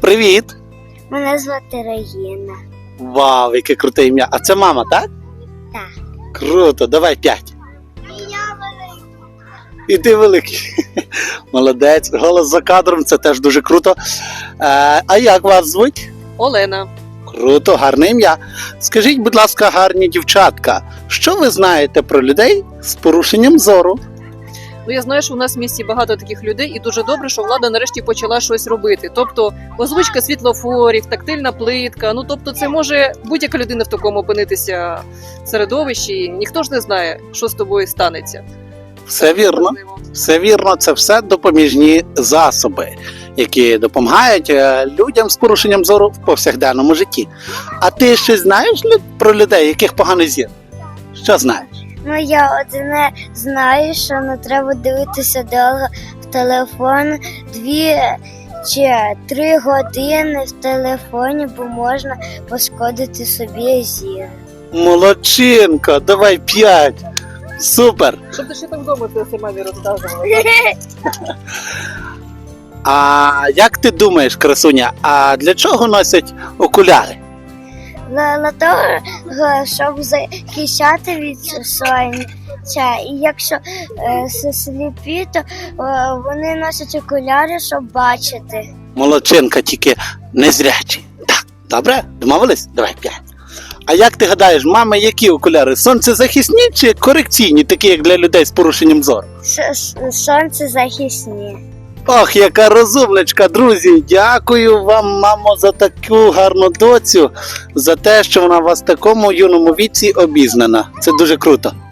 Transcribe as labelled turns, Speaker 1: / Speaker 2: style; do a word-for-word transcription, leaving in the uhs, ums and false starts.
Speaker 1: привіт!
Speaker 2: Мене звати Регіна.
Speaker 1: Вау, яке круте ім'я. А це мама, так?
Speaker 2: Так.
Speaker 1: Круто, давай п'ять.
Speaker 2: І я великий.
Speaker 1: І ти великий. Молодець. Голос за кадром, це теж дуже круто. Е, а як вас звуть?
Speaker 3: Олена.
Speaker 1: Круто, гарне ім'я. Скажіть, будь ласка, гарні дівчатка, що ви знаєте про людей з порушенням зору?
Speaker 3: Ну я знаю, що у нас в місті багато таких людей, і дуже добре, що влада нарешті почала щось робити. Тобто озвучка світлофорів, тактильна плитка. Ну тобто, це може будь-яка людина в такому опинитися середовищі. І ніхто ж не знає, що з тобою станеться.
Speaker 1: Все вірно. Все вірно, це все допоміжні засоби, які допомагають е, людям з порушенням зору в повсякденному житті. А ти щось знаєш лю- про людей, яких поганий зір? Що знаєш?
Speaker 2: Ну я одне знаю, що не треба дивитися довго в телефон дві чи три години в телефоні, бо можна пошкодити собі зір.
Speaker 1: Молодчинка, давай п'ять. Супер.
Speaker 3: Щоб ти ще там вдома це мамі розказувала.
Speaker 1: А як ти думаєш, красуня, а для чого носять окуляри?
Speaker 2: Для, для того, щоб захищати від сонця. І якщо е, с- сліпі, то е, вони носять окуляри, щоб бачити.
Speaker 1: Молодчинка, тільки незрячі. Так, добре? Домовились? Давай п'ять. А як ти гадаєш, мами, які окуляри? Сонцезахисні чи корекційні, такі як для людей з порушенням зору?
Speaker 2: С- с- Сонцезахисні.
Speaker 1: Ох, яка розумничка, друзі! Дякую вам, мамо, за таку гарну доцю, за те, що вона у вас в такому юному віці обізнана. Це дуже круто.